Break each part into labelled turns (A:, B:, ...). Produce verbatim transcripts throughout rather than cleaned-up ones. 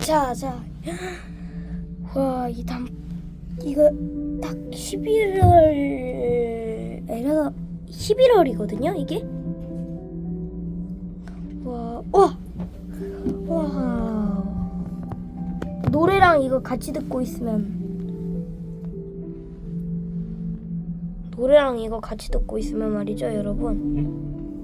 A: 자, 자. 와, 이 담, 이거 딱 십일월, 에라, 십일월이거든요, 이게? 와, 와! 와. 노래랑 이거 같이 듣고 있으면, 노래랑 이거 같이 듣고 있으면 말이죠, 여러분.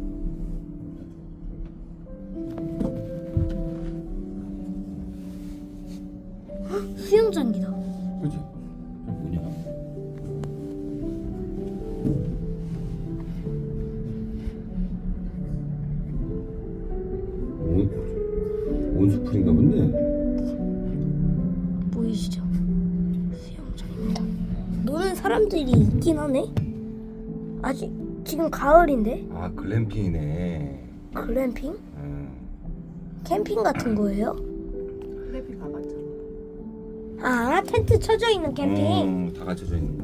A: 수영장기다.
B: 그치? 저 뭐냐? 온, 온수풀인가 본데?
A: 보이시죠? 수영장입니다. 노는 사람들이 있긴 하네. 아직 지금 가을인데
B: 아, 글램핑이네.
A: 글램핑?
B: 음.
A: 캠핑 같은 거예요?
C: 클래비 가봤잖아.
A: 아, 텐트 쳐져 있는 캠핑.
B: 음, 다 갖춰져 있는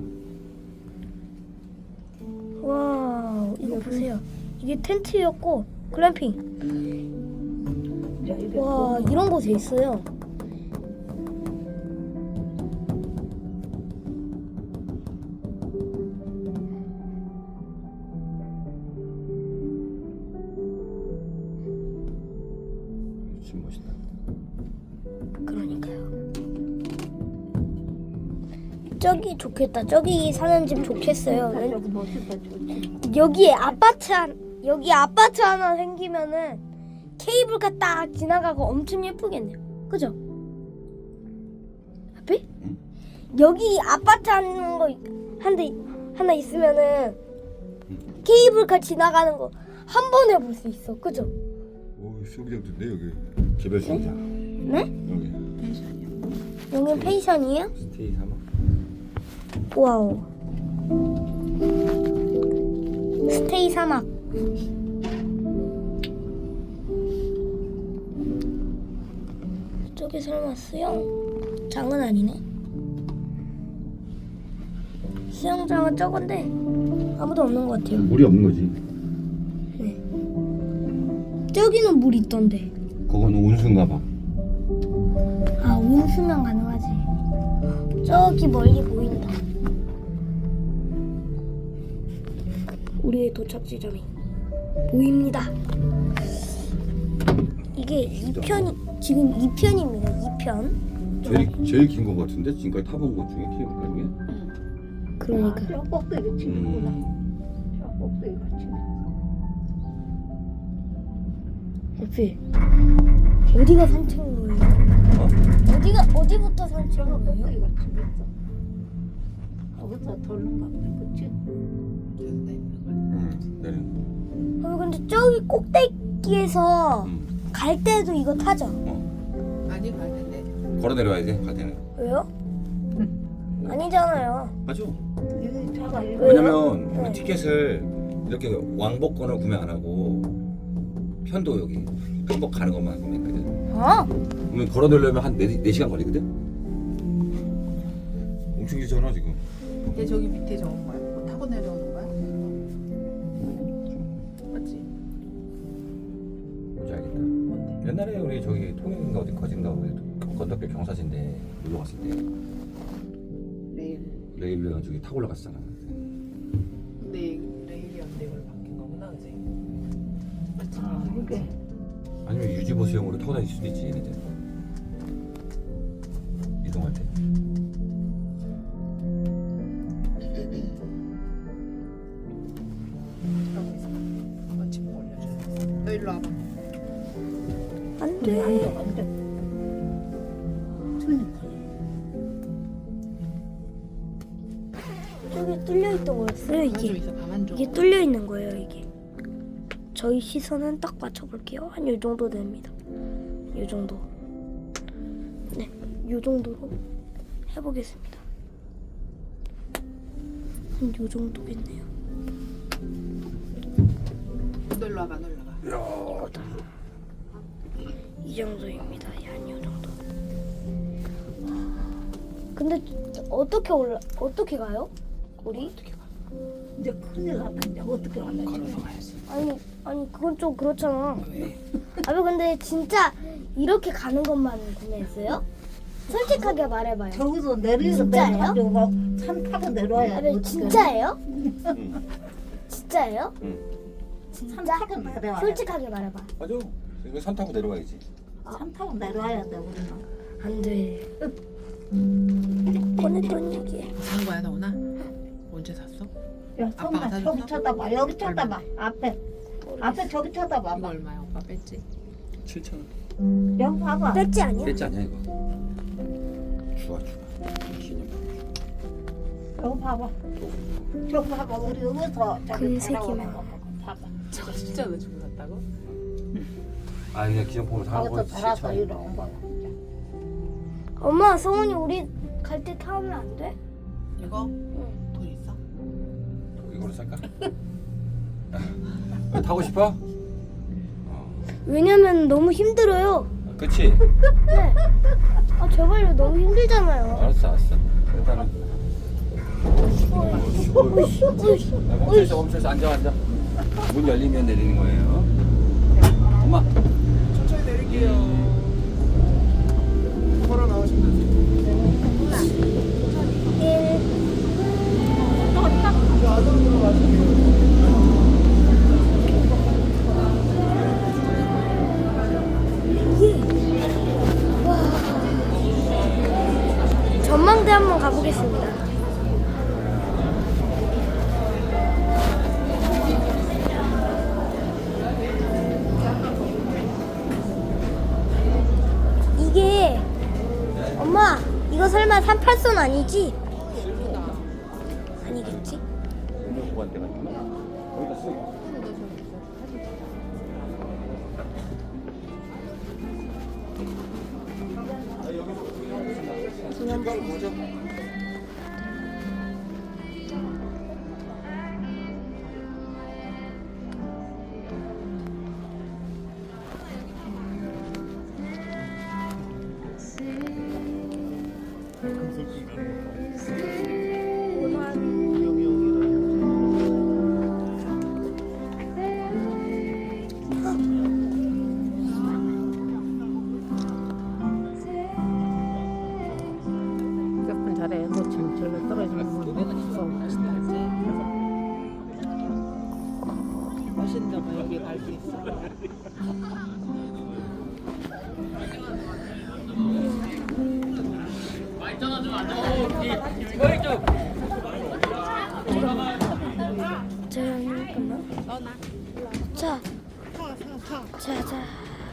B: 거.
A: 와, 이거 보세요. 이게 텐트였고 글램핑.
C: 야, 이게
A: 와, 이런 곳에 있어요.
B: 진짜 멋있다.
A: 그러니까요. 저기 좋겠다. 저기 사는 집 좋겠어요.
C: 저기 멋있다 좋지.
A: 여기에 아파트 한 여기 아파트 하나 생기면은 케이블카 딱 지나가고 엄청 예쁘겠네요. 그죠? 앞에?
B: 응.
A: 여기 아파트 하는 거 한 대 하나 있으면은
B: 응.
A: 케이블카 지나가는 거 한 번에 볼 수 있어. 그죠?
B: 오, 수영장 좋네 여기. 개별 수영장.
A: 네?
B: 여기.
C: 펜션이야.
A: 여긴 펜션이에요?
B: 스테이 삼아.
A: 와우. 스테이 사막. 저기 설마 수영장은 아니네. 수영장은 저건데 아무도 없는 것 같아요.
B: 물이 없는 거지.
A: 네. 저기는 물 있던데.
B: 그건 온수인가 봐.
A: 아, 온수면 가능하지. 저기 멀리 보인다. 우리의 도착지점이 보입니다. 이게 이 편이 지금 이 편입니다. 이 편.
B: 제일 제일 긴 거 같은데 지금까지 타본 것 중에 케이블카 중에.
A: 그러니까.
C: 아, 저 꼭대기 치는구나.
B: 음.
C: 저 꼭대기가 치네.
A: 옆에 어디가 산책인 거예요?
B: 어?
A: 어디가 어디부터 산책인
C: 저거
A: 거예요?
C: 꼭대기가 치겠어. 거기서 돌는가 보네. 그치?
B: 응, 내려.
A: 어, 근데 저기 꼭대기에서
B: 응.
A: 갈 때도 이거 타죠?
B: 어.
C: 많이 가는데.
B: 걸어 내려와야 돼, 갈 때는.
A: 왜요? 아니잖아요.
B: 맞아.
C: 여기 차가
B: 왜냐면
A: 네.
B: 우리 티켓을 이렇게 왕복권을 구매 안 하고 편도 여기 한복 가는 것만 구매했거든.
A: 어?
B: 그러면 걸어 내려면 한 네 시간 걸리거든. 엄청 길잖아 지금.
C: 얘 저기 밑에 저건 거야? 뭐 타고 내려오는 거야? 맞지?
B: 뭔지 알겠다.
C: 뭔데?
B: 옛날에 우리 저기 통영인가 어디 거진가 우리 건덕길 경사진데 놀러 갔을 때
C: 레일.
B: 레일로 해가지고 타고 올라갔잖아.
C: 레일 레일이었는데 이걸 바뀐 거구나, 그지? 맞지? 아, 이게
B: 아니면 유지보 수용으로 타고 다닐 수도 있지 얘네들. 이동할 때.
C: 여기 있어. 한번 짚어 올려줘. 너 일로 와봐.
A: 안
C: 안
A: 돼.
C: 돼, 안 돼. 그러니까.
A: 저기 뚫려 있던 거였어요,
C: 가만 좀
A: 이게.
C: 있어, 가만 좀.
A: 이게 뚫려 있는 거예요, 이게. 저희 시선은 딱 맞춰볼게요. 한 요 정도 됩니다. 요 정도. 네, 요 정도로 해보겠습니다. 한 요 정도겠네요.
C: 너 일로 와봐, 너 일로 와봐.
A: 이거다. 이 정도입니다. 한 요 정도. 근데 어떻게 올라? 어떻게 가요? 우리?
C: 어떻게 가? 이제 큰일 났는데 어떻게 가나?
B: 걸어서 가야지.
A: 아니 아니 그건 좀 그렇잖아.
C: 왜?
A: 아니 근데 진짜 이렇게 가는 것만 구매했어요? 솔직하게 말해봐요.
D: 저기서 내리서
A: 진짜예요?
D: 내려가지고 산 타고 내려와야
A: 아니,
D: 돼.
A: 진짜예요?
B: 응.
A: 진짜예요?
B: 응.
D: 산
A: 진짜?
D: 타고 내려와야 돼.
A: 솔직하게 말해봐.
B: 맞아. 이거 산 타고 내려가야지.
D: 산 타고 내려와야 돼 우리는.
A: 안 돼. 꺼냈던 얘기.
C: 산 거야 너나? 언제 샀어?
D: 야
C: 아빠가
D: 선배
C: 사줬어?
D: 저기 쳐다봐. 여기 쳐다봐.
C: 얼마나?
D: 앞에 앞에 저기 쳐다봐.
C: 이거 얼마야? 오빠 뺐지?
B: 칠천 원.
D: 여기 봐봐.
A: 뺐지 아니야?
B: 뺐지 않냐 이거? 주아 주아. 기념.
D: 여기 봐봐. 저기 봐봐. 우리 여기서 저기
A: 그
D: 돌아오는
A: 새끼만.
D: 거 봐봐.
C: 저거 진짜 너 주고 샀다고?
B: 아 그냥 기념품으로 사고
D: 거기서 돌아서
B: 칠천 원.
D: 이리 온 거야.
A: 엄마, 성훈이 우리 갈 때 타면 안 돼?
C: 이거?
A: 응.
C: 돈 있어?
B: 이거로 살까? 아, 타고 싶어? 어.
A: 왜냐면 너무 힘들어요.
B: 그치?
A: 네. 아 제발요, 너무 힘들잖아요.
B: 알았어 알았어. 일단은
A: 어이씨, 어이씨.
B: 야, 멈춰있어 멈춰있어 앉아 앉아. 문 열리면 내리는 거예요. 엄마.
C: 천천히 내릴게요. 걸어 나오시면 되지.
A: 일. 예. 와. 전망대 한번 가보겠습니다. 이게 엄마, 이거 설마 삼팔선 아니지? 아니겠지?
B: 보관대가 있구나. 거기다 쓰고. 색깔 뭐죠?
D: 몇분 잘해. 너 지금 저기 떨어지면 뭐
C: 맛있는 거 여기 갈 수 있어.
A: 자, 잠깐만.
C: 너나.
A: 자, 자, 자.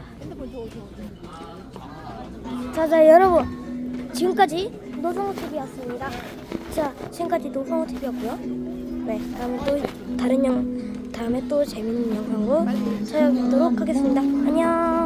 A: 자, 자, 여러분. 지금까지 노성호 티비였습니다. 자, 지금까지 노성호 티비였고요. 네, 다음에 또 다른 영, 다음에 또 재밌는 영상으로 찾아뵙도록 하겠습니다. 안녕.